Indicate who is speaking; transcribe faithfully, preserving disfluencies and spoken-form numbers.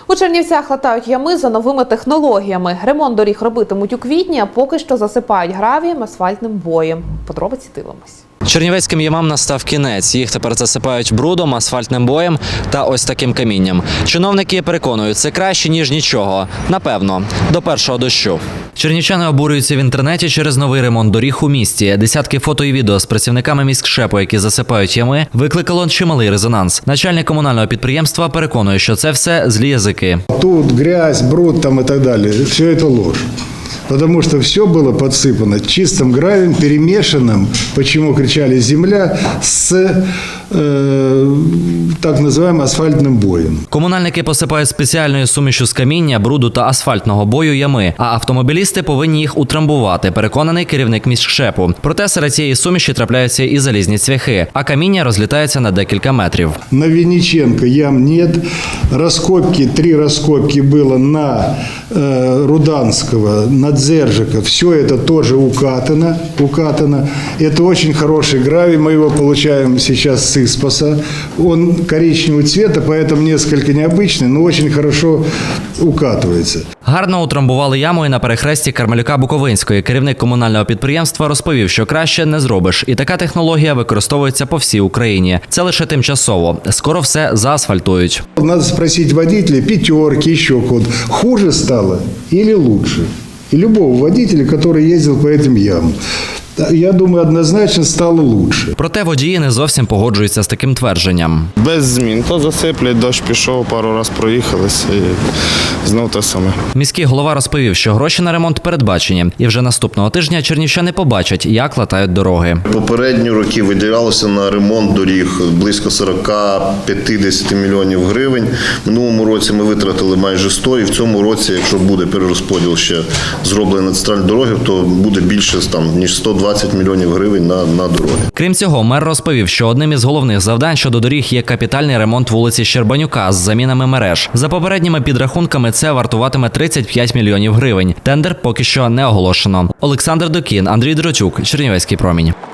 Speaker 1: У Чернівцях латають ями за новими технологіями. Ремонт доріг робитимуть у квітні, а поки що засипають гравієм, асфальтним боєм. Подробиці дивимось.
Speaker 2: Чернівецьким ямам настав кінець. Їх тепер засипають брудом, асфальтним боєм та ось таким камінням. Чиновники переконують, це краще, ніж нічого. Напевно, до першого дощу. Чернівчани обурюються в інтернеті через новий ремонт доріг у місті. Десятки фото і відео з працівниками міськшепу, які засипають ями, викликало чималий резонанс. Начальник комунального підприємства переконує, що це все злі язики.
Speaker 3: Тут грязь, бруд там и так далее. Все это ложь. Потому что все было подсыпано чистым гравием, перемешанным, почему кричали «земля», с э, так называемым асфальтным боем.
Speaker 2: Комунальники посипають спеціальною сумішю з каміння, бруду та асфальтного бою ями, а автомобілісти повинні їх утрамбувати, переконаний керівник міськшепу. Проте серед цієї суміші трапляються і залізні цвяхи, а каміння розлітається на декілька метрів.
Speaker 3: На Винниченко ям нет. Раскопки, три раскопки было на э, Руданского, на Дзержика. Все это тоже укатано, укатано. Это очень хороший гравий. Мы его получаем сейчас с Испаса. Он коричневого цвета, поэтому несколько необычный, но очень хорошо укатывается.
Speaker 2: Гарно утрамбували яму і на перехресті Кармелюка-Буковинської. Керівник комунального підприємства розповів, що краще не зробиш. І така технологія використовується по всій Україні. Це лише тимчасово. Скоро все заасфальтують.
Speaker 3: Надо спросить водителя, пятерки, еще код. Хуже стало или лучше? И любого водителя, который ездил по этим ямам. Я думаю, однозначно стало лучше.
Speaker 2: Проте водії не зовсім погоджуються з таким твердженням.
Speaker 4: Без змін. То засиплять, дощ пішов, пару разів проїхались і знов те саме.
Speaker 2: Міський голова розповів, що гроші на ремонт передбачені. І вже наступного тижня чернівчани побачать, як латають дороги.
Speaker 5: Попередні роки виділялося на ремонт доріг близько сорок-п'ятдесят мільйонів гривень. В минулому році ми витратили майже сто, і в цьому році, якщо буде перерозподіл ще зроблений на центральні дороги, то буде більше там, ніж сто двадцять мільйонів гривень на, на дороги.
Speaker 2: Крім цього, мер розповів, що одним із головних завдань щодо доріг є капітальний ремонт вулиці Щербанюка з замінами мереж. За попередніми підрахунками це вартуватиме тридцять п'ять мільйонів гривень. Тендер поки що не оголошено. Олександр Докін, Андрій Дротюк, Чернівецький промінь.